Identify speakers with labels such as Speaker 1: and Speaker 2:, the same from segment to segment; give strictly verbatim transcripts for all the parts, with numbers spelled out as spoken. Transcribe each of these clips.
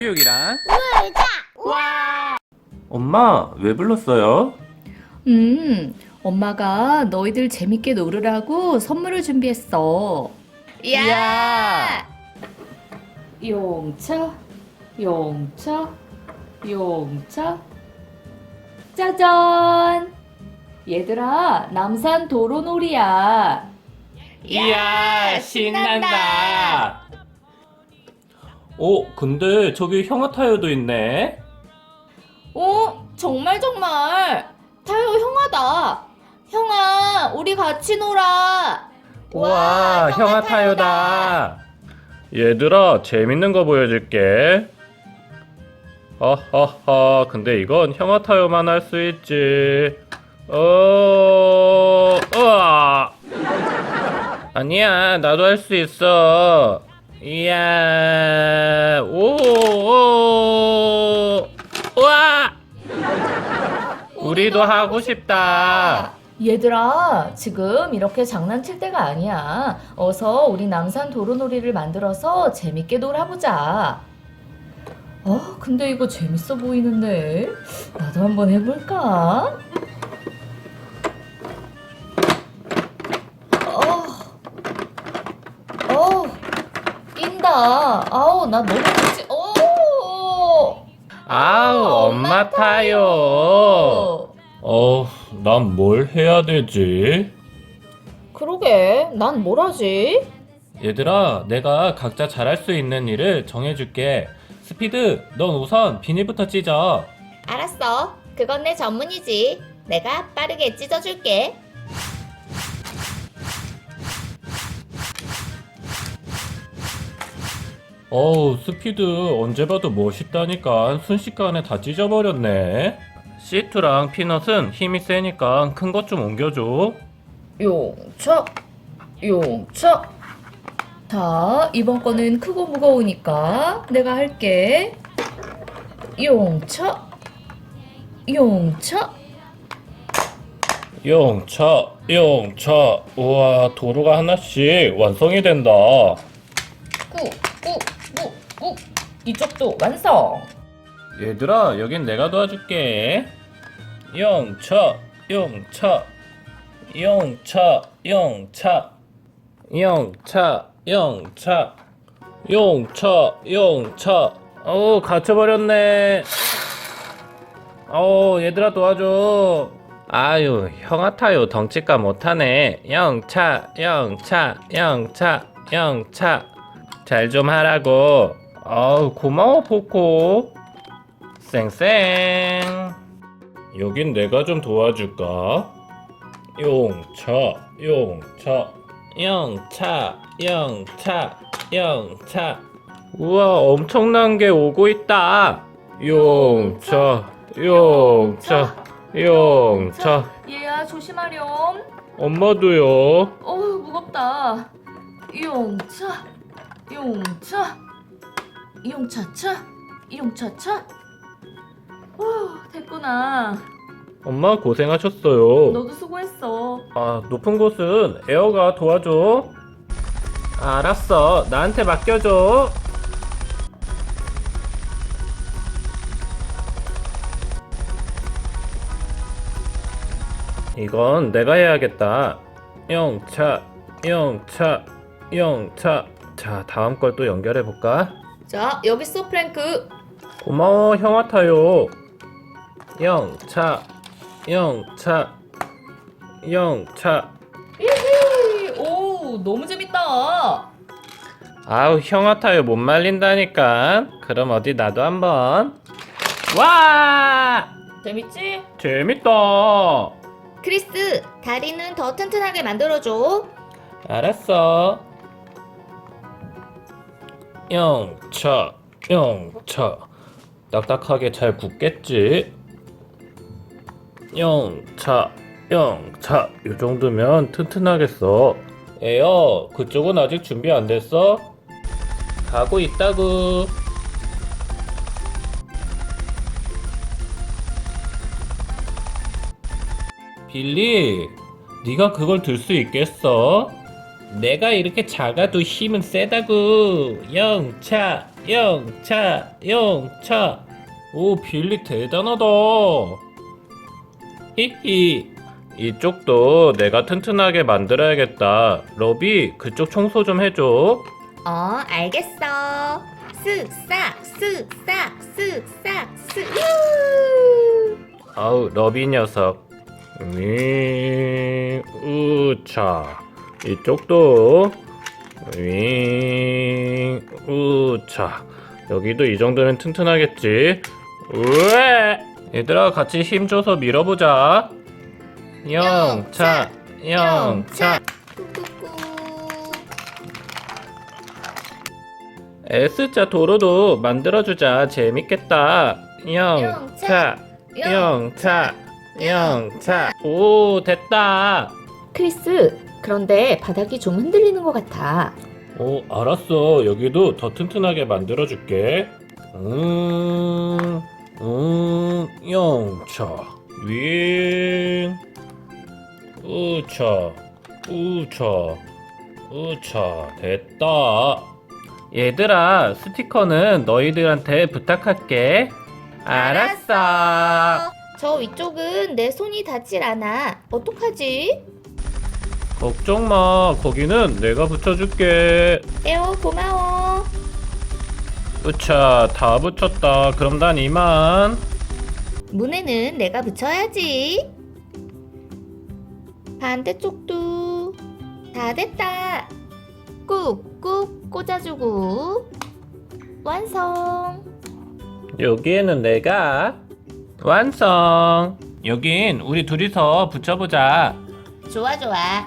Speaker 1: 교육이란?
Speaker 2: 놀자!
Speaker 1: 와! 엄마, 왜 불렀어요?
Speaker 3: 음, 엄마가 너희들 재밌게 놀으라고 선물을 준비했어.
Speaker 1: 이야!
Speaker 3: 용차, 용차, 용차. 짜잔! 얘들아, 남산 도로놀이야.
Speaker 1: 이야, 신난다! 어, 근데 저기 형아 타이어도 있네?
Speaker 3: 어, 정말 정말. 타요 형아다. 형아, 우리 같이 놀아.
Speaker 1: 와, 형아 타이어다! 얘들아, 재밌는 거 보여줄게. 허허허, 근데 이건 형아 타이어만 할 수 있지. 어, 으아! 아니야, 나도 할 수 있어. 이야, 오, 오, 우와! 우리도 하고 싶다.
Speaker 3: 얘들아, 지금 이렇게 장난칠 때가 아니야. 어서 우리 남산 도로놀이를 만들어서 재밌게 놀아보자. 어, 근데 이거 재밌어 보이는데? 나도 한번 해볼까? 어, 어, 낀다. 아우, 나 너무 무지. 어,
Speaker 1: 아우, 엄마 타요. 어, 난 뭘 해야 되지?
Speaker 3: 그러게, 난 뭘 하지?
Speaker 1: 얘들아, 내가 각자 잘할 수 있는 일을 정해줄게. 스피드, 넌 우선 비닐부터 찢어.
Speaker 2: 알았어. 그건 내 전문이지. 내가 빠르게 찢어줄게.
Speaker 1: 어우, 스피드 언제 봐도 멋있다니까 순식간에 다 찢어버렸네. 시트랑 피넛은 힘이 세니까 큰 것 좀 옮겨줘.
Speaker 3: 용차, 용차. 자, 이번 거는 크고 무거우니까 내가 할게. 용차, 용차.
Speaker 1: 용차, 용차. 우와, 도로가 하나씩 완성이 된다.
Speaker 3: 꾹, 꾹, 꾹, 꾹. 이쪽도 완성.
Speaker 1: 얘들아, 여긴 내가 도와줄게. 용차, 용차, 용차, 용차, 용차, 용차, 용차, 용차. 어우, 갇혀버렸네. 어우, 얘들아 도와줘. 아유, 형아 타요 덩치가 못하네. 영차, 영차, 영차, 영차. 잘 좀 하라고. 아우, 고마워 포코. 쌩쌩. 여긴 내가 좀 도와줄까? 용차, 용차, 영차, 영차, 영차. 우와, 엄청난 게 오고 있다. 용차, 용차, 용차.
Speaker 3: 얘야, 조심하렴.
Speaker 1: 엄마도요.
Speaker 3: 어우, 무겁다. 용차, 용차, 용차차, 용차차. 후, 됐구나.
Speaker 1: 엄마 고생하셨어요.
Speaker 3: 너도 수고했어.
Speaker 1: 아, 높은 곳은 에어가 도와줘. 알았어. 나한테 맡겨줘. 이건 내가 해야겠다. 영차, 영차, 영차. 자, 다음 걸 또 연결해 볼까?
Speaker 3: 자, 여기 있어, 프랭크.
Speaker 1: 고마워, 형아 타요. 영차, 영차, 영차.
Speaker 3: 히히. 오, 너무 재밌다.
Speaker 1: 아우, 형아 타요 못 말린다니까. 그럼 어디 나도 한번. 와!
Speaker 3: 재밌지?
Speaker 1: 재밌다.
Speaker 2: 크리스, 다리는 더 튼튼하게 만들어줘.
Speaker 1: 알았어. 영차, 영차. 딱딱하게 잘 굳겠지? 영차, 영차. 이 정도면 튼튼하겠어. 에어, 그쪽은 아직 준비 안 됐어? 가고 있다구. 빌리, 네가 그걸 들 수 있겠어? 내가 이렇게 작아도 힘은 세다구. 영차, 영차, 영차. 오, 빌리 대단하다. 히히. 이쪽도 내가 튼튼하게 만들어야겠다. 러비, 그쪽 청소 좀 해줘.
Speaker 2: 어, 알겠어. 쓱싹, 쓱싹, 쓱싹, 쓱. 유!
Speaker 1: 아우, 러비 녀석. 윙, 우차. 이쪽도 윙, 우차. 여기도 이 정도는 튼튼하겠지. 우에! 얘들아, 같이 힘줘서 밀어보자. 영차, 영차.
Speaker 2: 꾹꾹꾹.
Speaker 1: S자 도로도 만들어주자. 재밌겠다. 영차, 영차, 영차. 오, 됐다.
Speaker 3: 크리스, 그런데 바닥이 좀 흔들리는 것 같아.
Speaker 1: 오, 알았어. 여기도 더 튼튼하게 만들어줄게. 음, 음, 영차, 윙, 우차, 우차, 우차. 됐다. 얘들아, 스티커는 너희들한테 부탁할게. 알았어.
Speaker 2: 저 위쪽은 내 손이 닿질 않아. 어떡하지?
Speaker 1: 걱정 마. 거기는 내가 붙여줄게.
Speaker 2: 에어, 고마워.
Speaker 1: 우차, 다 붙였다. 그럼 난 이만.
Speaker 2: 문에는 내가 붙여야지. 반대쪽도 다 됐다. 꾹꾹 꽂아주고 완성.
Speaker 1: 여기에는 내가 완성. 여긴 우리 둘이서 붙여보자.
Speaker 2: 좋아 좋아.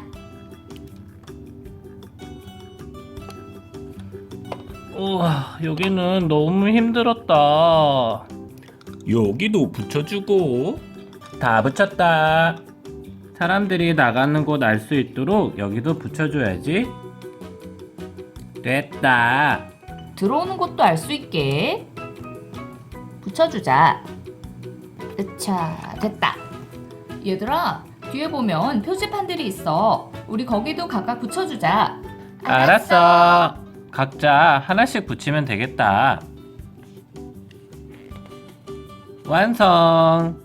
Speaker 1: 우와, 여기는 너무 힘들었다. 여기도 붙여주고. 다 붙였다. 사람들이 나가는 곳 알 수 있도록 여기도 붙여줘야지. 됐다.
Speaker 3: 들어오는 곳도 알 수 있게 붙여주자. 으차, 됐다. 얘들아, 뒤에 보면 표지판들이 있어. 우리 거기도 각각 붙여주자.
Speaker 1: 알았어. 각자 하나씩 붙이면 되겠다. 완성.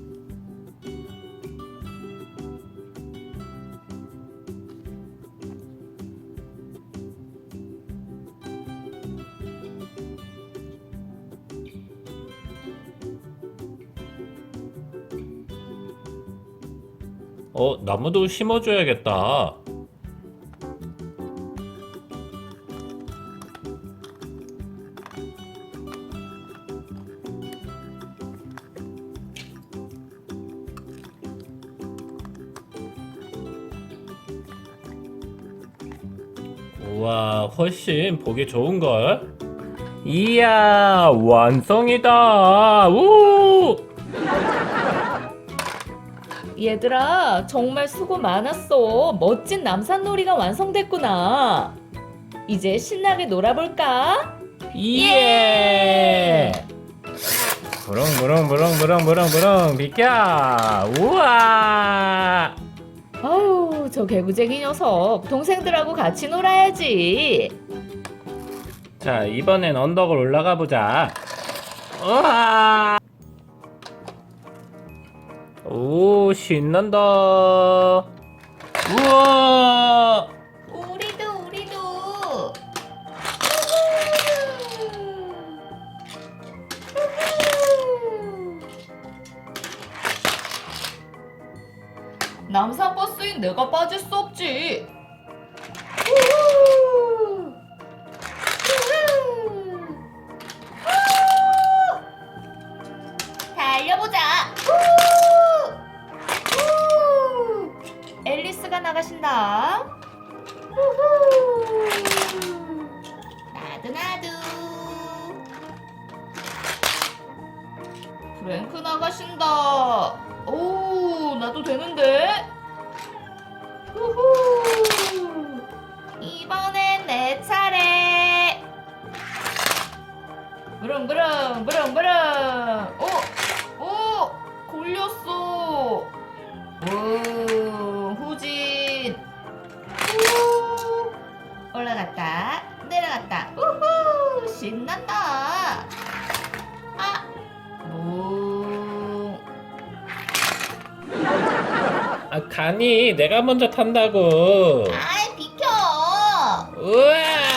Speaker 1: 어, 나무도 심어줘야겠다. 우와, 훨씬 보기 좋은걸? 이야, 완성이다. 우!
Speaker 3: 얘들아, 정말 수고 많았어. 멋진 남산놀이가 완성됐구나. 이제 신나게 놀아볼까?
Speaker 1: 예! 부릉부릉부릉부릉부릉부릉 비켜! 우와!
Speaker 3: 아유, 저 개구쟁이 녀석. 동생들하고 같이 놀아야지.
Speaker 1: 자, 이번엔 언덕을 올라가 보자. 우와! 오, 신난다. 우와!
Speaker 2: 우리도 우리도.
Speaker 3: 남산 버스인 내가 빠질 수 없지.
Speaker 2: 우후. 우후. 달려보자. 우! 우!
Speaker 3: 앨리스가 나가신다.
Speaker 2: 우후. 나도 나도.
Speaker 3: 프랭크 나가신다. 오, 나도 되는데?
Speaker 2: 우후. 이번엔 내 차례.
Speaker 3: 부릉부릉 부릉부릉. 오, 오, 걸렸어. 오, 후진.
Speaker 2: 우. 올라갔다 내려갔다. 우후. 신난다. 아, 무.
Speaker 1: 아, 가니 내가 먼저 탄다고.
Speaker 2: 아이, 비켜.
Speaker 1: 우와!